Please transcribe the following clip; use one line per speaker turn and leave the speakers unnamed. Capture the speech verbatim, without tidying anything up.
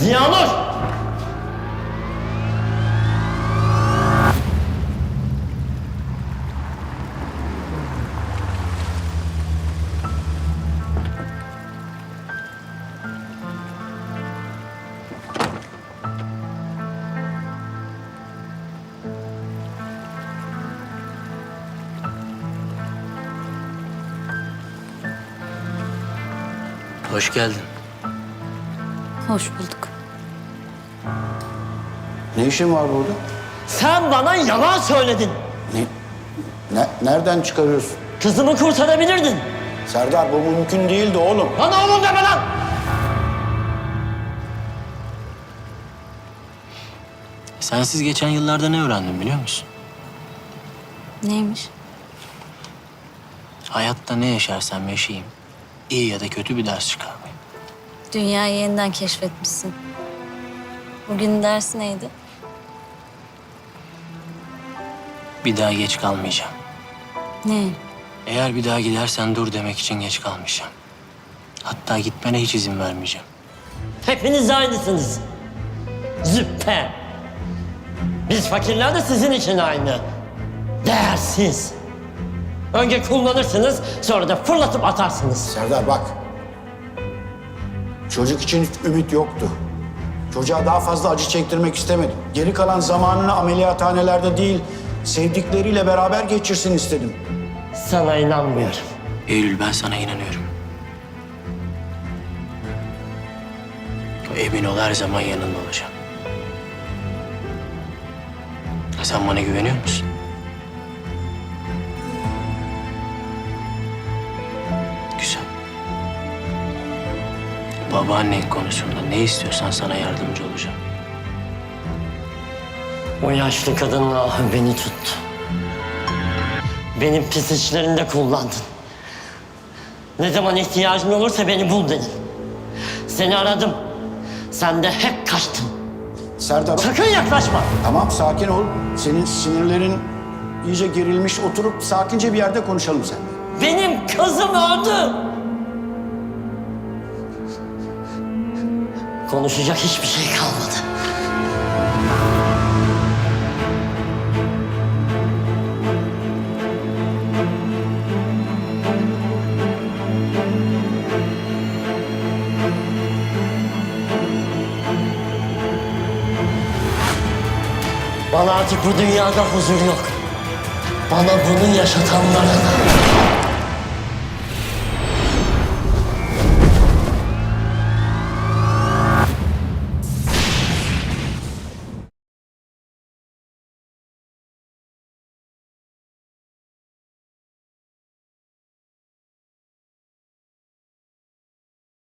Ziyanur!
Hoş geldin.
Hoş bulduk.
Ne işin var burada?
Sen bana yalan söyledin.
Ne? Ne? Nereden çıkarıyorsun?
Kızımı kurtarabilirdin.
Serdar bu mümkün değildi oğlum.
Bana oğlum deme lan!
Sensiz geçen yıllarda ne öğrendim biliyor musun?
Neymiş?
Hayatta ne yaşarsam yaşayayım, iyi ya da kötü bir ders çıkarmayayım.
Dünyayı yeniden keşfetmişsin. Bugün ders neydi?
Bir daha geç kalmayacağım.
Ne?
Eğer bir daha gidersen dur demek için geç kalmayacağım. Hatta gitmene hiç izin vermeyeceğim.
Hepiniz aynısınız. Züppe. Biz fakirler de sizin için aynı. Değersiz. Önce kullanırsınız, sonra da fırlatıp atarsınız.
Serdar bak. Çocuk için ümit yoktu. Çocuğa daha fazla acı çektirmek istemedim. Geri kalan zamanını ameliyathanelerde değil, sevdikleriyle beraber geçirsin istedim.
Sana inanmıyorum.
Eylül, ben sana inanıyorum. Emin ol, her zaman yanında olacağım. Sen bana güveniyor musun? Güzel. Babaannen konusunda ne istiyorsan sana yardımcı olacağım.
O yaşlı kadının ahı beni tuttu. Benim pis işlerinde kullandın. Ne zaman ihtiyacın olursa beni bul dedin. Seni aradım. Sen de hep kaçtın.
Serdar
Sakın yaklaşma.
tamam sakin ol. Senin sinirlerin iyice gerilmiş. Oturup sakince bir yerde konuşalım sen.
Benim kızım öldü. Konuşacak hiçbir şey kalmadı. Bana artık bu dünyada huzur yok. Bana bunu yaşatanlara da.